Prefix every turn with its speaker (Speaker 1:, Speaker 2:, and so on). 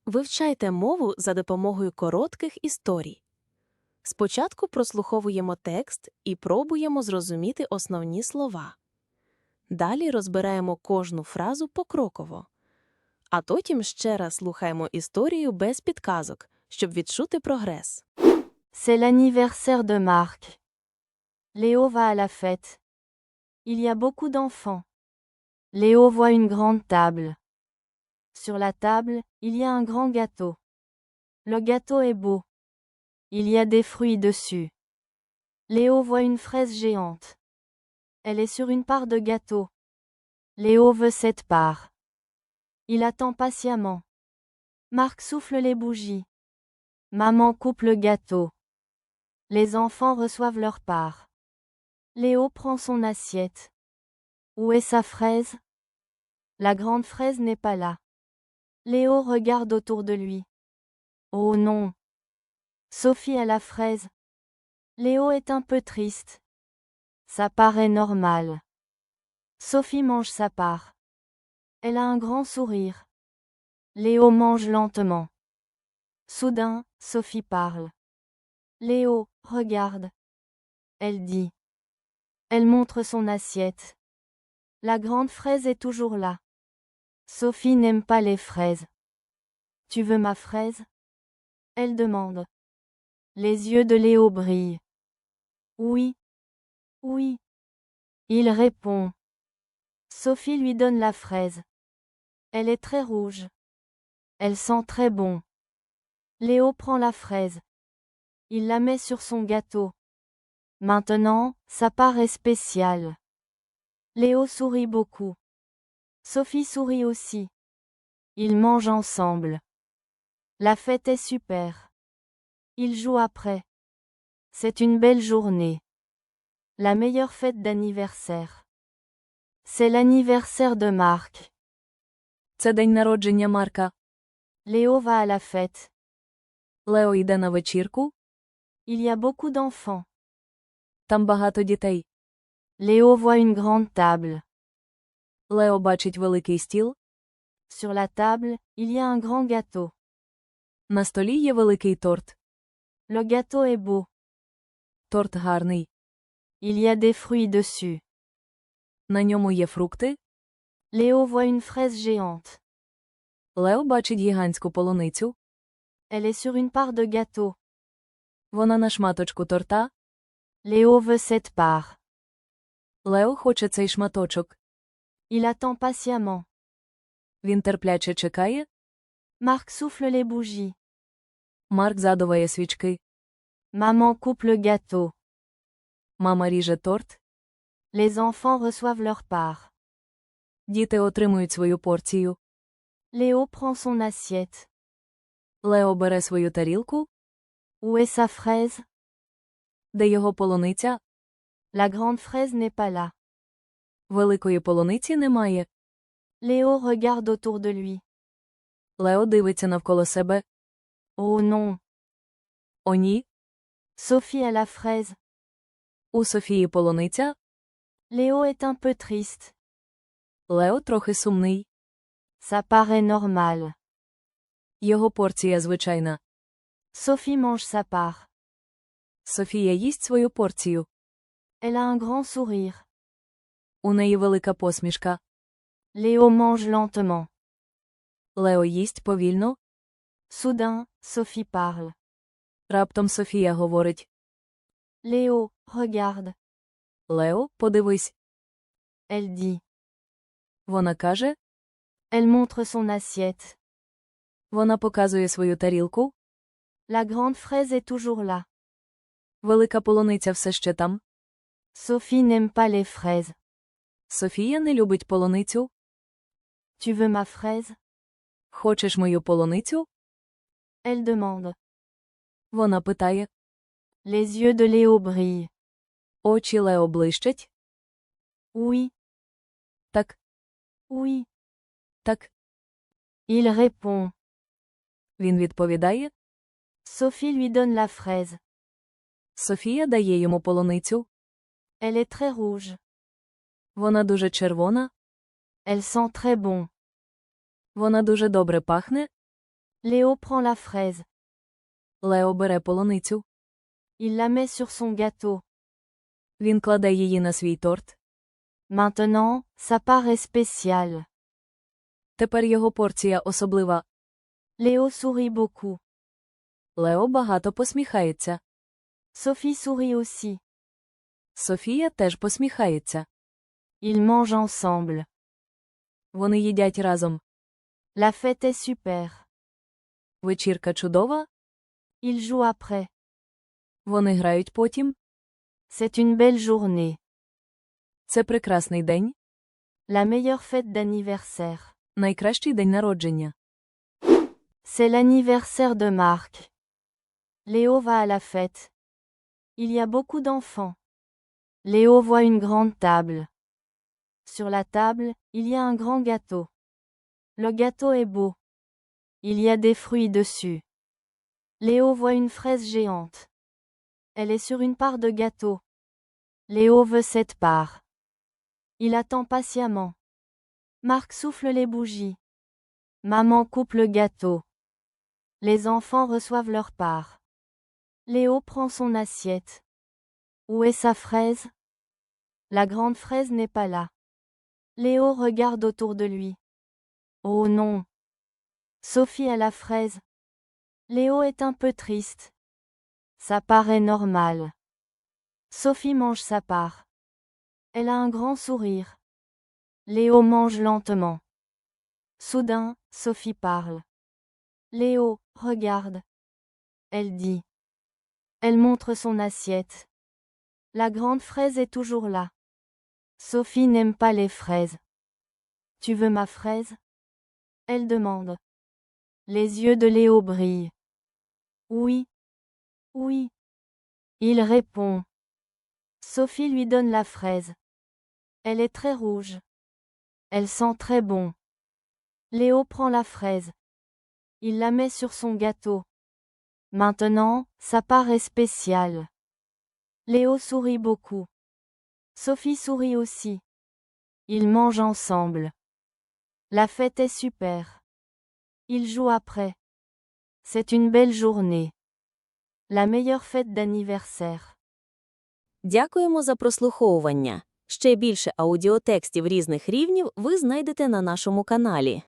Speaker 1: Вивчайте мову за допомогою коротких історій. Спочатку прослуховуємо текст і пробуємо зрозуміти основні слова. Далі розбираємо кожну фразу покроково. А потім ще раз слухаємо історію без підказок, щоб відчути прогрес.
Speaker 2: C'est l'anniversaire de Marc. Léo va à la fête. Il y a beaucoup d'enfants. Léo voit une grande table. Sur la table, il y a un grand gâteau. Le gâteau est beau. Il y a des fruits dessus. Léo voit une fraise géante. Elle est sur une part de gâteau. Léo veut cette part. Il attend patiemment. Marc souffle les bougies. Maman coupe le gâteau. Les enfants reçoivent leur part. Léo prend son assiette. Où est sa fraise? La grande fraise n'est pas là. Léo regarde autour de lui. Oh non! Sophie a la fraise. Léo est un peu triste. Ça paraît normal. Sophie mange sa part. Elle a un grand sourire. Léo mange lentement. Soudain, Sophie parle. Léo, regarde. Elle dit. Elle montre son assiette. La grande fraise est toujours là. Sophie n'aime pas les fraises. Tu veux ma fraise? Elle demande. Les yeux de Léo brillent. Oui. Oui. Il répond. Sophie lui donne la fraise. Elle est très rouge. Elle sent très bon. Léo prend la fraise. Il la met sur son gâteau. Maintenant, sa part est spéciale. Léo sourit beaucoup. Sophie sourit aussi. Ils mangent ensemble. La fête est super. Ils jouent après. C'est une belle journée. La meilleure fête d'anniversaire. C'est l'anniversaire de Marc.
Speaker 3: Це день народження Марка.
Speaker 2: Léo va à la fête.
Speaker 3: Лео йде на вечірку.
Speaker 2: Il y a beaucoup d'enfants.
Speaker 3: Там багато дітей.
Speaker 2: Léo voit une grande table.
Speaker 3: Лео бачить великий стіл.
Speaker 2: Sur la table, il y a un grand gâteau.
Speaker 3: На столі є великий торт.
Speaker 2: Le gâteau est beau.
Speaker 3: Торт гарний.
Speaker 2: Il y a des fruits dessus.
Speaker 3: На ньому є фрукти.
Speaker 2: Léo voit une fraise géante.
Speaker 3: Лео бачить гігантську полуницю.
Speaker 2: Elle est sur une part de gâteau.
Speaker 3: Вона на шматочку торта.
Speaker 2: Léo veut cette part.
Speaker 3: Лео хоче цей шматочок.
Speaker 2: Il attend patiemment.
Speaker 3: Він терпляче чекає.
Speaker 2: Marc souffle les bougies.
Speaker 3: Марк задуває свічки.
Speaker 2: Maman coupe le gâteau.
Speaker 3: Мама ріже торт.
Speaker 2: Les enfants reçoivent leur part.
Speaker 3: Діти отримують свою порцію.
Speaker 2: Léo prend son assiette.
Speaker 3: Лео бере свою тарілку.
Speaker 2: Où est sa fraise?
Speaker 3: Де його полуниця?
Speaker 2: La grande fraise n'est pas là.
Speaker 3: Великої полуниці немає.
Speaker 2: Léo regarde autour de lui.
Speaker 3: Лео дивиться навколо себе.
Speaker 2: Oh non!
Speaker 3: О ні.
Speaker 2: Sophie a la fraise.
Speaker 3: У Софії полуниця.
Speaker 2: Léo est un peu triste.
Speaker 3: Лео трохи сумний.
Speaker 2: Ça paraît normal.
Speaker 3: Його порція звичайна.
Speaker 2: Sophie mange sa part.
Speaker 3: Софія їсть свою порцію.
Speaker 2: Elle a un grand sourire.
Speaker 3: У неї велика посмішка.
Speaker 2: Léo mange lentement.
Speaker 3: Лео їсть повільно.
Speaker 2: Soudain, Sophie parle.
Speaker 3: Раптом Софія говорить.
Speaker 2: Léo, regarde.
Speaker 3: Лео, подивись.
Speaker 2: Elle dit.
Speaker 3: Вона каже.
Speaker 2: Elle montre son assiette.
Speaker 3: Вона показує свою тарілку.
Speaker 2: La grande fraise est toujours là.
Speaker 3: Велика полуниця все ще там.
Speaker 2: Sophie n'aime pas les fraises.
Speaker 3: Софія не любить полуницю.
Speaker 2: Tu veux ma fraise?
Speaker 3: Хочеш мою полуницю?
Speaker 2: Elle demande.
Speaker 3: Вона питає.
Speaker 2: Les yeux de Léo brillent.
Speaker 3: Очі Лео блищать.
Speaker 2: Oui.
Speaker 3: Так.
Speaker 2: Oui.
Speaker 3: Так.
Speaker 2: Il répond.
Speaker 3: Він відповідає.
Speaker 2: Sophie lui donne la fraise.
Speaker 3: Софія дає йому полуницю.
Speaker 2: Elle est très rouge.
Speaker 3: Вона дуже червона.
Speaker 2: Elle sent très bon.
Speaker 3: Вона дуже добре пахне.
Speaker 2: Léo prend la fraise.
Speaker 3: Лео бере полуницю.
Speaker 2: Il la met sur son gâteau.
Speaker 3: Він кладе її на свій торт.
Speaker 2: Maintenant, sa part est spéciale.
Speaker 3: Тепер його порція особлива.
Speaker 2: Léo sourit beaucoup.
Speaker 3: Лео багато посміхається.
Speaker 2: Sophie sourit aussi.
Speaker 3: Софія теж посміхається.
Speaker 2: Ils mangent ensemble.
Speaker 3: Вони їдять разом.
Speaker 2: La fête est super.
Speaker 3: Вечірка чудова.
Speaker 2: Ils jouent après.
Speaker 3: Вони грають потім.
Speaker 2: C'est une belle journée.
Speaker 3: Це прекрасний день.
Speaker 2: La meilleure fête d'anniversaire.
Speaker 3: Найкращий день народження.
Speaker 2: C'est l'anniversaire de Marc. Léo va à la fête. Il y a beaucoup d'enfants. Léo voit une grande table. Sur la table, il y a un grand gâteau. Le gâteau est beau. Il y a des fruits dessus. Léo voit une fraise géante. Elle est sur une part de gâteau. Léo veut cette part. Il attend patiemment. Marc souffle les bougies. Maman coupe le gâteau. Les enfants reçoivent leur part. Léo prend son assiette. Où est sa fraise? La grande fraise n'est pas là. Léo regarde autour de lui. Oh non! Sophie a la fraise. Léo est un peu triste. Ça paraît normal. Sophie mange sa part. Elle a un grand sourire. Léo mange lentement. Soudain, Sophie parle. Léo, regarde. Elle dit. Elle montre son assiette. La grande fraise est toujours là. Sophie n'aime pas les fraises. Tu veux ma fraise? Elle demande. Les yeux de Léo brillent. Oui. Oui. Il répond. Sophie lui donne la fraise. Elle est très rouge. Elle sent très bon. Léo prend la fraise. Il la met sur son gâteau. Maintenant, sa part est spéciale. Léo sourit beaucoup. Sophie sourit aussi. Ils mangent ensemble. La fête est super. Ils jouent après. C'est une belle journée. La meilleure fête d'anniversaire.
Speaker 1: Дякуємо за прослуховування. Ще більше аудіотекстів різних рівнів ви знайдете на нашому каналі.